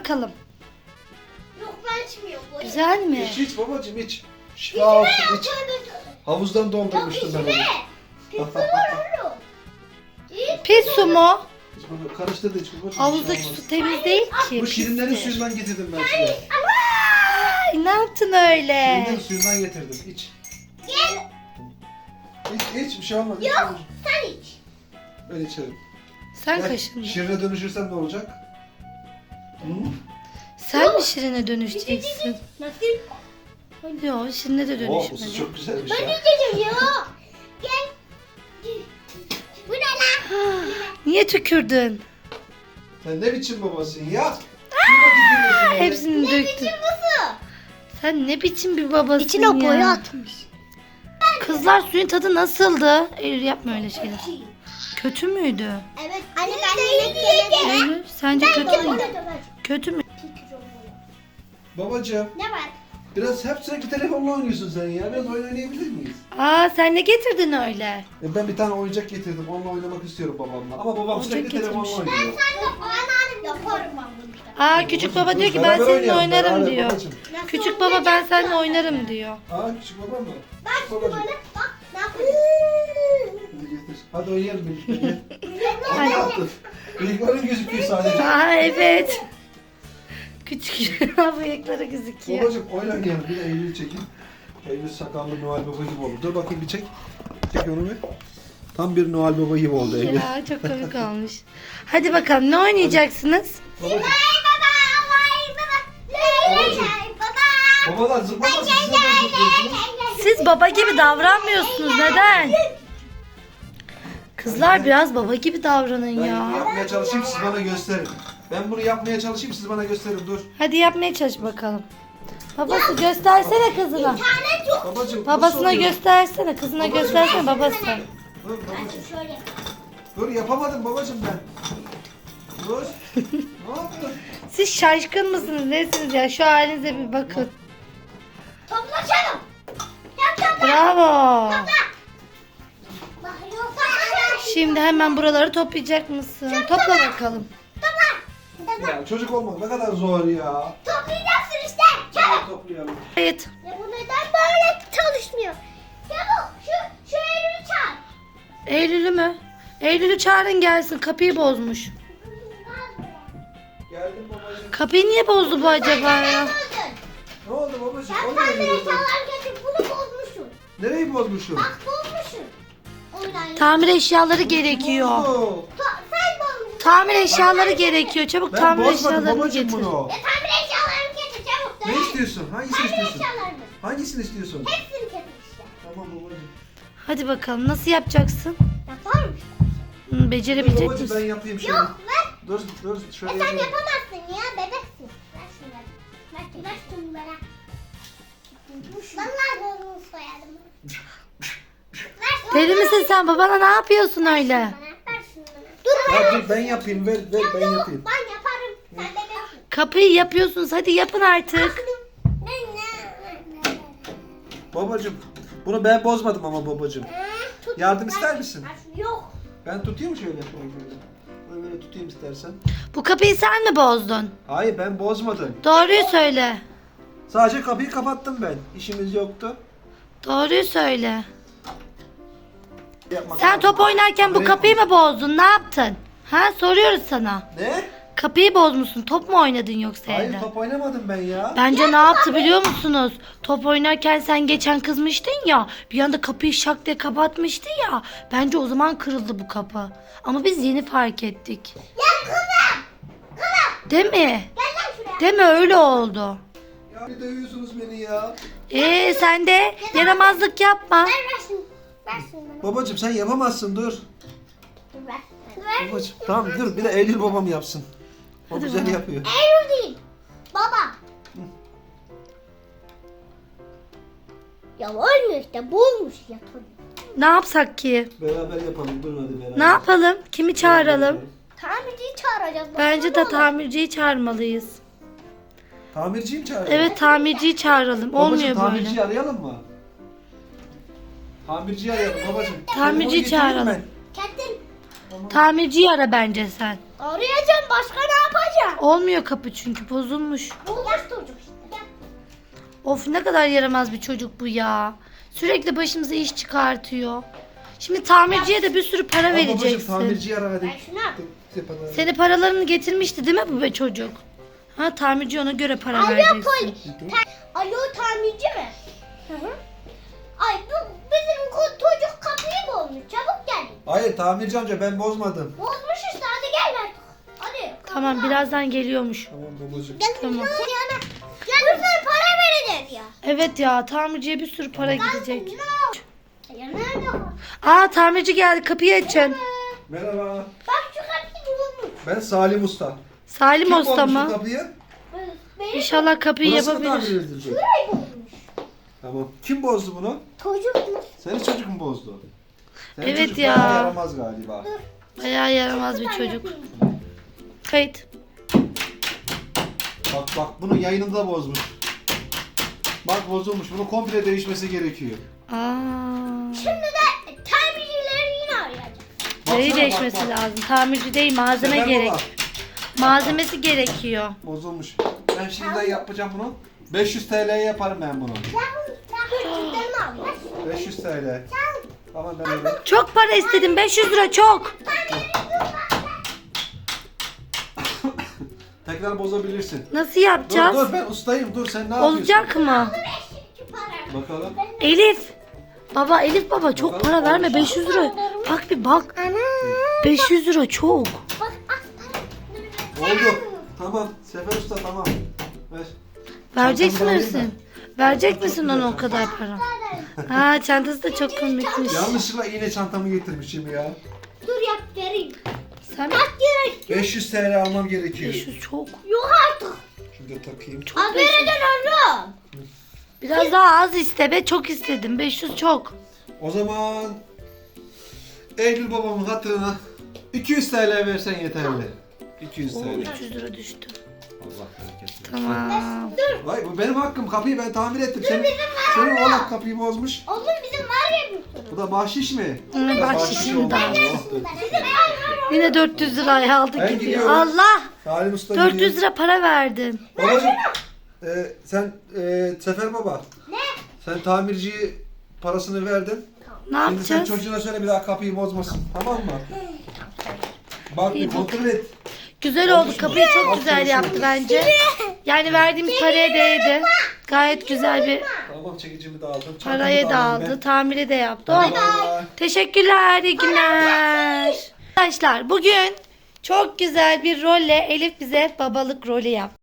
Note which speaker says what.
Speaker 1: bakalım.
Speaker 2: Yok ben içmiyorum.
Speaker 1: Güzel mi?
Speaker 3: İç babacığım iç. Şifa olsun iç. Havuzdan doldurmuştum ben onu.
Speaker 1: Pis su mu?
Speaker 3: İç baba, karıştır da iç babacığım.
Speaker 1: Havuzdaki
Speaker 3: bir şey olmaz.
Speaker 1: su temiz değil ki.
Speaker 3: Bu şirinlerin
Speaker 1: pistir.
Speaker 3: suyundan getirdim ben size.
Speaker 1: Ay, ne yaptın öyle?
Speaker 3: Şirinlerin suyundan getirdim. İç. İç bir şey olmaz. İç
Speaker 2: Yok
Speaker 3: babacığım.
Speaker 2: sen iç.
Speaker 3: Ben içerim.
Speaker 1: Sen
Speaker 3: Gel,
Speaker 1: kaşındın.
Speaker 3: Şirine dönüşürsen ne olacak? Hı?
Speaker 1: Sen mi Şirin'e dönüşeceksin?
Speaker 2: Nasıl?
Speaker 1: Yok, Şirin'e de
Speaker 3: Oh, bu su
Speaker 1: dönüşmedi.
Speaker 3: çok güzelmiş
Speaker 2: Ben
Speaker 3: ya.
Speaker 2: içeceğim ya. Gel. Bu ne lan?
Speaker 1: Niye tükürdün?
Speaker 3: Sen ne biçim babasın ya? Şuna tükürüyorsun böyle.
Speaker 1: Hepsini
Speaker 2: Ne
Speaker 1: döktün.
Speaker 2: biçim bu su?
Speaker 1: Sen ne biçim bir babasın
Speaker 2: İçine
Speaker 1: ya?
Speaker 2: boya atmış.
Speaker 1: Kızlar suyun tadı nasıldı? Eylül yapma öyle şeyler. Kötü müydü?
Speaker 2: Evet. Anne ben yemek yemedim.
Speaker 1: Eylül sence kötü mü? Kötü mü?
Speaker 3: Babacığım
Speaker 2: Ne var?
Speaker 3: biraz hep sürekli telefonla oynuyorsun sen ya. Biraz oyun oynayabilir miyiz?
Speaker 1: Aa sen ne getirdin öyle?
Speaker 3: Ben bir tane oyuncak getirdim. Onunla oynamak istiyorum babamla. Ama babam
Speaker 1: Oyuncak
Speaker 3: sürekli telefonla
Speaker 1: getirmiş.
Speaker 3: oynuyor.
Speaker 2: Sen de bana yaparım ben bunu işte.
Speaker 1: Aa küçük baba diyor ki ben
Speaker 3: Beraber
Speaker 1: seninle
Speaker 3: oynayalım,
Speaker 1: oynarım
Speaker 3: beraber
Speaker 1: diyor.
Speaker 3: babacığım.
Speaker 2: Nasıl
Speaker 1: Küçük baba ben
Speaker 2: oynayacağız
Speaker 1: seninle
Speaker 2: zaten?
Speaker 1: oynarım diyor.
Speaker 3: Aa küçük babam mı?
Speaker 2: Bak şimdi
Speaker 3: Babacığım.
Speaker 2: bana bak ne yapıyorsun?
Speaker 3: Hadi getir. Hadi oynayalım birlikte. Gel.
Speaker 1: Hadi.
Speaker 3: Ne yaptın? Bıyıkların gözüküyor sadece.
Speaker 1: Aa evet. Küçük bıyıkları gözüküyor.
Speaker 3: Babacığım oyun oynayalım. Bir de Eylül çekin. Eylül sakallı Noel Baba gibi oldu. Dur bakayım bir çek. Çek onu bir. Tam bir Noel Baba gibi oldu Eylül.
Speaker 1: Ya çok komik olmuş. Hadi bakalım ne oynayacaksınız?
Speaker 3: Babacığım.
Speaker 2: Vay baba, vay baba, lay lay
Speaker 3: Babacığım.
Speaker 2: lay baba.
Speaker 3: Babalar zıplamasın. Siz neden zıplıyorsunuz?
Speaker 1: Siz baba gibi davranmıyorsunuz. Neden? Kızlar biraz baba gibi davranın
Speaker 3: Ben bunu
Speaker 1: ya.
Speaker 3: yapmaya çalışayım siz bana gösterin. Ben bunu yapmaya çalışayım siz bana gösterin dur.
Speaker 1: Hadi yapmaya çalış bakalım. Babası göstersene kızına.
Speaker 2: Tane çok.
Speaker 3: Babacığım nasıl
Speaker 1: Babasına
Speaker 3: oluyor?
Speaker 1: göstersene. Kızına
Speaker 3: Babacığım.
Speaker 1: göstersene babası.
Speaker 3: Dur babacığım.
Speaker 2: Şöyle.
Speaker 3: Dur yapamadım babacığım ben. Dur. Ne yaptın?
Speaker 1: Siz şaşkın mısınız? Nesiniz ya? Şu halinize bir bakın.
Speaker 2: Toplaşalım. Yap topla.
Speaker 1: Bravo.
Speaker 2: Bak yok topla.
Speaker 1: Şimdi hemen buraları toplayacak mısın? Topla bakalım.
Speaker 2: Topla.
Speaker 3: Ya çocuk olmak ne kadar zor ya.
Speaker 2: Toplayacaksın işte.
Speaker 3: Hadi
Speaker 2: Çabuk.
Speaker 3: toplayalım.
Speaker 1: Evet.
Speaker 2: Ya bu neden böyle çalışmıyor? Çabuk şu elini çal.
Speaker 1: Eylül'ü mü? Eylül'ü çağırın gelsin. Kapıyı bozmuş.
Speaker 3: Geldim babacığım.
Speaker 1: Kapıyı niye bozdu bu acaba ya?
Speaker 3: Ne oldu babacığım?
Speaker 2: Sen
Speaker 3: O nereye
Speaker 2: tamir
Speaker 3: gidiyorsun?
Speaker 2: eşyalarken bunu bozmuşsun.
Speaker 3: Nereyi bozmuşum?
Speaker 2: Bak bozmuşsun. Oynan.
Speaker 1: Tamir eşyaları gerekiyor.
Speaker 3: Bozdu.
Speaker 2: Sen bozmuşsun.
Speaker 1: Tamir eşyaları gerekiyor. Çabuk
Speaker 3: Ben
Speaker 1: tamir
Speaker 3: bozmadım
Speaker 1: eşyalarını
Speaker 3: babacığım
Speaker 1: getir.
Speaker 3: bunu.
Speaker 2: Ya tamir eşyalarını getir çabuk.
Speaker 3: Ne istiyorsun? Hangisini
Speaker 2: Tamir
Speaker 3: istiyorsun?
Speaker 2: eşyalarını.
Speaker 3: Hangisini istiyorsun?
Speaker 2: Hepsini getir işte.
Speaker 3: Tamam babacığım.
Speaker 1: Hadi bakalım nasıl yapacaksın?
Speaker 2: Yapar mısın?
Speaker 1: Hı, becerebilecek
Speaker 3: Babacığım ben
Speaker 1: misin?
Speaker 3: yapayım şöyle.
Speaker 2: Yok ver.
Speaker 3: Dur şöyle
Speaker 2: Sen
Speaker 3: yapayım.
Speaker 2: yapamazsın ya bebeksin. Ver şunları. Ver şunları. Vallahi bozmuş soyadım.
Speaker 1: Deli misin sen? Babana ne yapıyorsun öyle?
Speaker 2: Ver şunları. Dur
Speaker 3: Ya dur ben yapayım ver ben yapayım.
Speaker 2: Ben yaparım. Sen bebeksin.
Speaker 1: Kapıyı yapıyorsunuz. Hadi yapın artık.
Speaker 3: Babacığım bunu ben bozmadım ama babacığım.
Speaker 2: Tut.
Speaker 3: Yardım ister misin?
Speaker 2: Ver şunu. Yok.
Speaker 3: Ben tutayım şöyle. Böyle tutayım istersen.
Speaker 1: Bu kapıyı sen mi bozdun?
Speaker 3: Hayır ben bozmadım.
Speaker 1: Doğruyu söyle.
Speaker 3: Sadece kapıyı kapattım ben. İşimiz yoktu.
Speaker 1: Doğruyu söyle.
Speaker 3: Yapmak
Speaker 1: Sen
Speaker 3: lazım.
Speaker 1: top oynarken bu
Speaker 3: Evet.
Speaker 1: kapıyı mı bozdun? Ne yaptın? Ha soruyoruz sana.
Speaker 3: Ne?
Speaker 1: Kapıyı bozmuşsun. Top mu oynadın yoksa
Speaker 3: Hayır
Speaker 1: evde?
Speaker 3: top oynamadım ben ya.
Speaker 1: Bence ne yaptı biliyor musunuz? Top oynarken sen geçen kızmıştın ya. Bir anda kapıyı şak diye kapatmıştı ya. Bence o zaman kırıldı bu kapı. Ama biz yeni fark ettik.
Speaker 2: Ya kızım.
Speaker 1: Değil mi?
Speaker 2: Gel lan şuraya.
Speaker 1: Değil mi? Öyle oldu.
Speaker 3: Ya bir dövüyorsunuz beni ya.
Speaker 1: Sen de yaramazlık yapma.
Speaker 2: Ver şunu. Ver şunu bana.
Speaker 3: Babacığım sen yapamazsın dur.
Speaker 2: Dur ver. Ver.
Speaker 3: Babacığım tamam dur bir de Eylül babam yapsın. O
Speaker 1: Hadi
Speaker 3: güzel
Speaker 1: bakalım.
Speaker 3: yapıyor.
Speaker 2: Eylül değil. Baba. Ya olmuyor işte. Bulmuş ya.
Speaker 1: Ne yapsak ki?
Speaker 3: Beraber yapalım dur hadi beraber.
Speaker 1: Ne yapalım? Kimi çağıralım?
Speaker 2: Tamirciyi çağıracağız.
Speaker 1: Bence de tamirciyi çağırmalıyız.
Speaker 3: Tamirciyi mi çağıralım?
Speaker 1: Evet tamirciyi çağıralım.
Speaker 3: Babacığım
Speaker 1: Olmuyor
Speaker 3: tamirciyi
Speaker 1: böyle.
Speaker 3: arayalım mı? Tamirciyi arayalım babacığım.
Speaker 1: Tamirciyi
Speaker 3: Telefonu getireyim
Speaker 1: çağıralım.
Speaker 3: ben.
Speaker 2: Kendin.
Speaker 1: Tamirciyi ara bence sen.
Speaker 2: Arayacağım, başka ne yapacağım?
Speaker 1: Olmuyor kapı çünkü bozulmuş.
Speaker 2: Bulmuş çocuk işte.
Speaker 1: Of ne kadar yaramaz bir çocuk bu ya. Sürekli başımıza iş çıkartıyor. Şimdi tamirciye de bir sürü para
Speaker 3: Al babacığım,
Speaker 1: vereceksin.
Speaker 3: tamirciyi ara hadi.
Speaker 2: Ben şunu yap.
Speaker 1: Seni paralarını getirmişti değil mi bu be çocuk? Ha tamirci ona göre para
Speaker 2: Alo
Speaker 1: vereceksin.
Speaker 2: Alo, tamirci mi? Hı hı. Ay bu bizim çocuk kapıyı bozmuş. Çabuk gel.
Speaker 3: Hayır tamirci amca ben bozmadım.
Speaker 2: Bozmuş işte, hadi gel artık. Hadi.
Speaker 1: Tamam birazdan geliyormuş.
Speaker 3: Tamam babacığım.
Speaker 2: Gel.
Speaker 1: Tamam.
Speaker 2: Yana. Gel. Bir sürü para vereceğiz ya.
Speaker 1: Evet ya tamirciye bir sürü para gidecek.
Speaker 2: Ya nerede o?
Speaker 1: Aa tamirci geldi kapıyı açın.
Speaker 3: Merhaba.
Speaker 2: Bak şu kapıyı bulmuş.
Speaker 3: Ben Salim Usta.
Speaker 1: Salim
Speaker 3: Kim
Speaker 1: Usta
Speaker 3: bozmuş bu
Speaker 1: mı?
Speaker 3: kapıyı?
Speaker 2: Benim
Speaker 1: İnşallah kapıyı
Speaker 3: Burası mı tamir
Speaker 1: yapabilir.
Speaker 3: edilecek?
Speaker 2: şurayı bozmuş.
Speaker 3: Tamam. Kim bozdu bunu?
Speaker 2: Çocuk mu?
Speaker 3: Senin çocuk mu bozdu? Senin
Speaker 1: Evet
Speaker 3: çocuk
Speaker 1: ya.
Speaker 3: bayağı yaramaz galiba.
Speaker 1: Bayağı yaramaz bir çocuk. Kayıt.
Speaker 3: Bak bunun yayınını da bozmuş. Bak bozulmuş. Bunu komple değişmesi gerekiyor.
Speaker 1: Aa.
Speaker 2: Şimdi de tamircileri yine arayacağım.
Speaker 1: Neyi
Speaker 3: Baksana,
Speaker 1: değişmesi
Speaker 3: bak.
Speaker 1: lazım? Tamirci değil malzeme
Speaker 3: Sefer
Speaker 1: gerek.
Speaker 3: baba,
Speaker 1: Malzemesi gerekiyor.
Speaker 3: bozulmuş. Ben şimdiden yapacağım bunu. 500 TL'ye yaparım ben bunu.
Speaker 2: Çocuklarımı alayım.
Speaker 3: 500 TL. Tamam ben öyle.
Speaker 1: Çok para istedim 500 lira çok.
Speaker 3: Tekrar bozabilirsin.
Speaker 1: Nasıl
Speaker 3: Dur
Speaker 1: yapacağız?
Speaker 3: ben ustayım. Dur sen ne yapıyorsun?
Speaker 1: Olacak mı?
Speaker 3: Bakalım.
Speaker 1: Elif. Baba Elif baba çok
Speaker 3: Bakalım,
Speaker 1: para verme
Speaker 3: olmuş.
Speaker 1: 500 lira. Bak bir bak. 500 lira çok.
Speaker 2: Bak
Speaker 3: Oldu. Tamam. Sefer Usta tamam. Ver.
Speaker 1: Verecek
Speaker 3: Çantamı da alayım
Speaker 1: misin? Verecek misin ona o kadar para? Ha çantası da çok komikmiş.
Speaker 3: Yanlışlıkla iğne çantamı getirmişim ya.
Speaker 2: dur yap vereyim.
Speaker 1: Sen
Speaker 2: Kaç lira istiyor?
Speaker 3: 500 TL almam gerekiyor.
Speaker 1: 500 çok.
Speaker 2: Yok artık.
Speaker 3: Şurada takayım.
Speaker 2: Abi vereceksin oğlum.
Speaker 1: Biraz daha az iste be çok istedim 500 çok.
Speaker 3: O zaman Eylül babamın hatırına 200 TL versen yeterli. 200
Speaker 1: Oo,
Speaker 3: TL.
Speaker 1: 300 lira düştü.
Speaker 3: Allah bereket versin.
Speaker 1: Tamam.
Speaker 3: Vay bu benim hakkım. Kapıyı ben tamir ettim. Senin oğlak kapıyı bozmuş.
Speaker 2: Oğlum bizim var ya bir sürü.
Speaker 3: Bu da bahşiş mi?
Speaker 1: Hı,
Speaker 3: Biraz
Speaker 1: bahşişim
Speaker 3: oldu.
Speaker 1: de aldı.
Speaker 2: Bizim var.
Speaker 1: Yine 400 lirayı aldı
Speaker 3: Ben
Speaker 1: gidiyor.
Speaker 3: gidiyorum.
Speaker 1: Allah!
Speaker 3: Salim Usta
Speaker 1: 400
Speaker 3: gidiyor.
Speaker 1: lira para verdin.
Speaker 3: Babacım sen Sefer baba.
Speaker 2: Ne?
Speaker 3: Sen tamirciye parasını verdin.
Speaker 1: Ne
Speaker 3: Şimdi sen
Speaker 1: yapacağız?
Speaker 3: çocuğuna söyle bir daha kapıyı bozmasın. Tamam mı? Bak bir kontrol et.
Speaker 1: Güzel oldu. Kapıyı çok güzel yaptı bence. Yani verdiğimiz paraya değdi. Gayet güzel bir
Speaker 3: Tamam çekicimi de aldım. çantamı
Speaker 1: parayı da
Speaker 3: aldım
Speaker 1: aldı.
Speaker 3: ben.
Speaker 1: Tamiri de yaptı.
Speaker 3: Hadi
Speaker 1: Oh.
Speaker 3: bay bay.
Speaker 1: Teşekkürler. İyi günler. Arkadaşlar bugün çok güzel bir rolle Elif bize babalık rolü yaptı.